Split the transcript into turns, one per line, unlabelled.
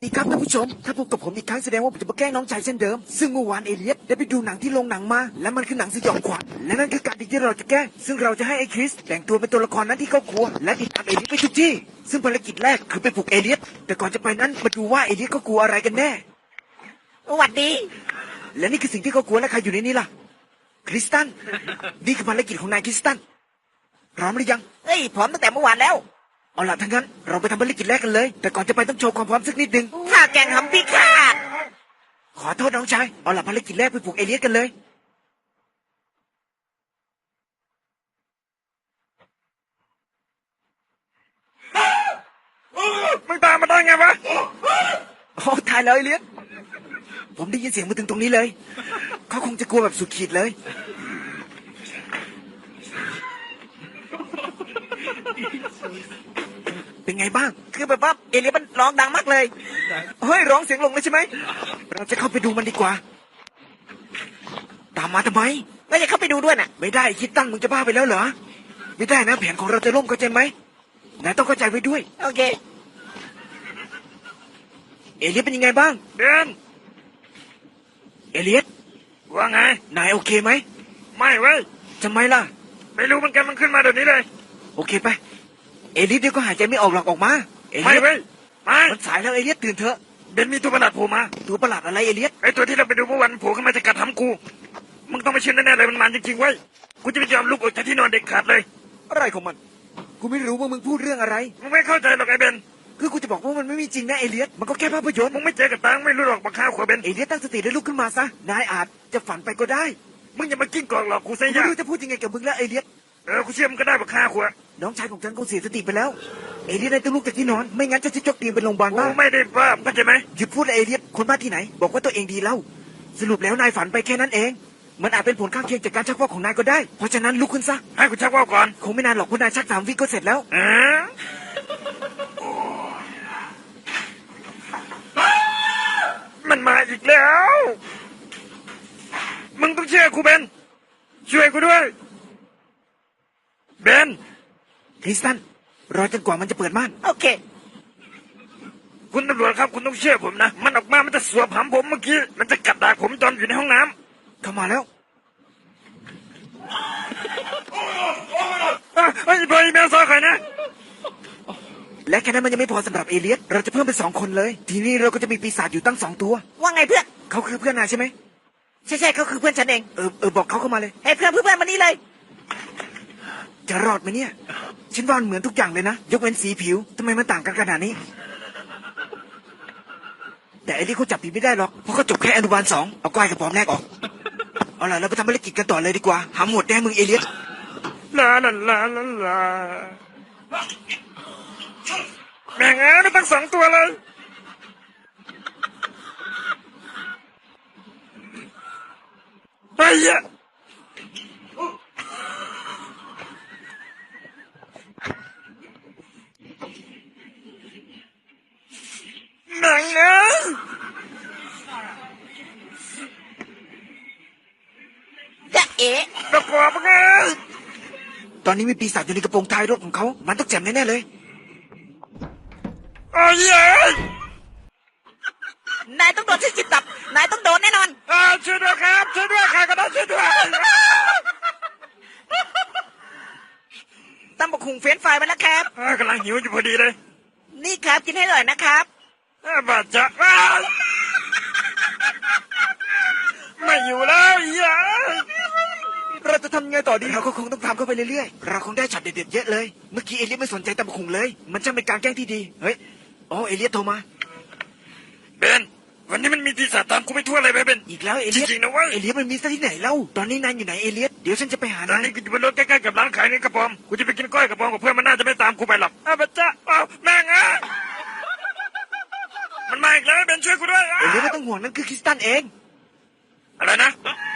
ดีครับท่านผู้ชมถ้าพบกับผมอีกครั้งแสดงว่าผมจะมาแกล้งน้องชายเช่นเดิมซึ่งเมื่อวานเอเลียสได้ไปดูหนังที่โรงหนังมาและมันคือหนังสยองขวัญและนั่นคือการที่เราจะแกล้งซึ่งเราจะให้ไอ้คริสแต่งตัวเป็นตัวละครนั้นที่เขากลัวและติดตามเอเลียสไปทุกที่ซึ่งภารกิจแรกคือไปปลุกเอเลียสแต่ก่อนจะไปนั้นมาดูว่าเอเลียสเขากลัวอะไรกันแน่
สวัสดี
และนี่คือสิ่งที่เขากลัวและใครอยู่ในนี้ล่ะคริสตันนี่คือภารกิจของนายคริสตันพร้อมหรือยัง
เฮ้ยพร้อมตั้งแต่เมื่อวานแล้ว
เอาล่ะทั้างนั้นเราไปทำภารกิจแรกกันเลยแต่ก่อนจะไปต้องโชว์ความพร้อมสักนิดนึง
ถ้าแกงทำพิฆาต
ขอโทษน้องชายเอาล่ะภารกิจแรกไปปลุกเอเลียสกันเลย
มึงตามมาได้ไงวะ
โอ้ตายแล้วเอเลียสผมได้ยินเสียงมาถึงตรงนี้เลยเขาคงจะกลัวแบบสุดขีดเลยเป็นไงบ้าง
คือแบบว่าเอเลียสมันร้องดังมากเลย
เฮ้ยร้องเสียงลงเลยใช่ไหมเราจะเข้าไปดูมันดีกว่าตามมาทำไม
แล้วจะเข้าไปดูด้วยน่ะ
ไม่ได้คิดตั้งมึงจะบ้าไปแล้วเหรอไม่ได้นะแผนของเราจะล่มเข้าใจไหมนายต้องเข้าใจไว้ด้วย
โอเค
เอเลียสเป็นยังไงบ้าง
เดิน
เอเลียส
ว่าไง
นายโอเคไหม
ไม่เว้ย
ทำไมล่ะ
ไม่รู้เหมือนกันมันขึ้นมาเดี๋ยวนี้เลย
โอเคไปเอเลียสเดี๋ยวก็หายใจไม่ออกหรอกออกมา
ไม่เว้ยไม่
มันสายแล้วเอเลียสตื่นเถอะ
เบนมีตัวประหลาดโผล่มา
ตัวประหลาดอะไรเอเลียส
ไอตัวที่เราไปดูเมื่อวันโผล่ขึ้นมาจะกัดทำกูมึงต้องไม่เชื่อแน่ๆเลยมันมันจริงๆเว้ยกูจะไม่ยอมลุกออกจากที่นอนเด็กขาดเลย
อะไรของมันกูไม่รู้ว่ามึงพูดเรื่องอะไร
มึงไม่เข้าใจหรอกไอเบน
คือกูจะบอกว่ามันไม่มีจริงนะเอเลียสมันก็แค่ภาพยนตร์
มึงไม่เจอกับตาไม่รู้หรอกบักข้าวขวบเบน
เอเลียสตั้งสติได้ลุกขึ้นมาซะนายอาจจะฝันไปก็ได้
มึงอย่ามากิ้งกองหรอกกูเสีย
ไม่รู้จะพูดยังไงกับมึงแล้วเอเลียส
กูเชื่อมึงก็ได้บักข้าวขวบ
น้องชายของฉันคงเสียสติไปแล้วเอเลียสได้ต้องลุกจากที่นอนไม่งั้นจะจกเตียงเป็นโรงพยาบาลบ้า
ไม่ได้บ้าเข้าใจไหม
หยุดพูดเอเลียสคนบ้าที่ไหนบอกว่าตัวเองดีแล้วสรุปแล้วนายฝันไปแค่นั้นเองมันอาจเป็นผลข้างเคียงจากการชักว่าวของนายก็ได้เพราะฉะนั้นลุกขึ้นซะ
ให้กูชักว่าวก่อน
คงไม่นานหรอกเพราะนายชัก3 วิก็เสร็จแล้ว
มันมาอีกแล้วมึงต้องเชื่อกูเบนช่วยกูด้วยเบน
คริสตันรอจนกว่ามันจะเปิดม่าน
โอเค
คุณตำรวจครับคุณต้องเชื่อผมนะมันออกมามันจะสวมหำผมเมื่อกี้มันจะกัดดากผมตอนอยู่ในห้องน้
ำเข้ามาแล้ว
ไอ้บอยแมวซอใครนะ
และแค่นั้นมันยังไม่พอสำหรับเอเลียสเราจะเพิ่มเป็น2 คนเลยทีนี้เราก็จะมีปีศาจอยู่ตั้ง2 ตัว
ว่าไงเพื่อน
เขาคือเพื่อนนายใช่ไหม
ใช่เขาคือเพื่อนฉันเอง
บอกเขาเข้ามาเลย
ให้เพื่อนมานี่เลย
จะรอดไหมเนี่ยฉันว่าเหมือนทุกอย่างเลยนะยกเว้นสีผิวทำไมมันต่างกันขนาดนี้แต่เอเลียสเขาจับผิดไม่ได้หรอกเพราะเขาจบแค่อนุบาล2เอาก้อยกับปอมแรกออกเอาล่ะเราไปทำภารกิจกันต่อเลยดีกว่าหาหมวดแดงมึงเอเลียส
ลาแม่งเอ้ยไม่ตั้ง2 ตัวเลยไอ้ยะแม่งเอ้ย
จะเอ๋
ตะกอบไง
ตอนนี้มีปีศาจอยู่ในกระโปรงท้ายรถของเขามันต้องแจ่มแน่ๆเลย
โอ้ย
นายต้องโดนที่จิตตับนายต้องโดนแน่นอน
ช่วยด้วยครับช่วยด้วยใครก็ได้ช่วยด้วย
ตำบักหุ่งเฟรนช์ฟรายมาแล้วครับ
กำลังหิวอยู่พอดีเลย
นี่ครับกินให้อร่อยนะครับ
บาดจะไม่อยู่แล้วอย่า
เราจะทำไงต่อดีเราก็คงต้องทำเข้าไปเรื่อยๆเราคงได้ช็อตเด็ดๆเยอะเลยเมื่อกี้เอเลียสไม่สนใจตะบุงเลยมันช่างเป็นการแกล้งที่ดีเฮ้ยเอเลียสโทรมา
เบนวันนี้มันมีปีศาจตามกูไปทั่วเลยเบน
อีกแล้วเอเลียส
จริงๆนะเว้ย
เอเลียสมันมีซะที่ไหนเล่าตอนนี้นายอยู่ไหนเอเลียสเดี๋ยวฉันจะไปหา
ตอนนี้กูอยู่บนรถใกล้ๆกับร้านขายเนื้อกระป๋อมกูจะไปกินก้อยกระป๋อมกับเพื่อนมันน่าจะไม่ตามกูไปหรอกบาดจะแม่งมันมาอีกแล้วเบนช่วยกูด้วย
เอเลียสไม่ต้องห่วงนั่นคือคริสตันเอง
อะไรนะ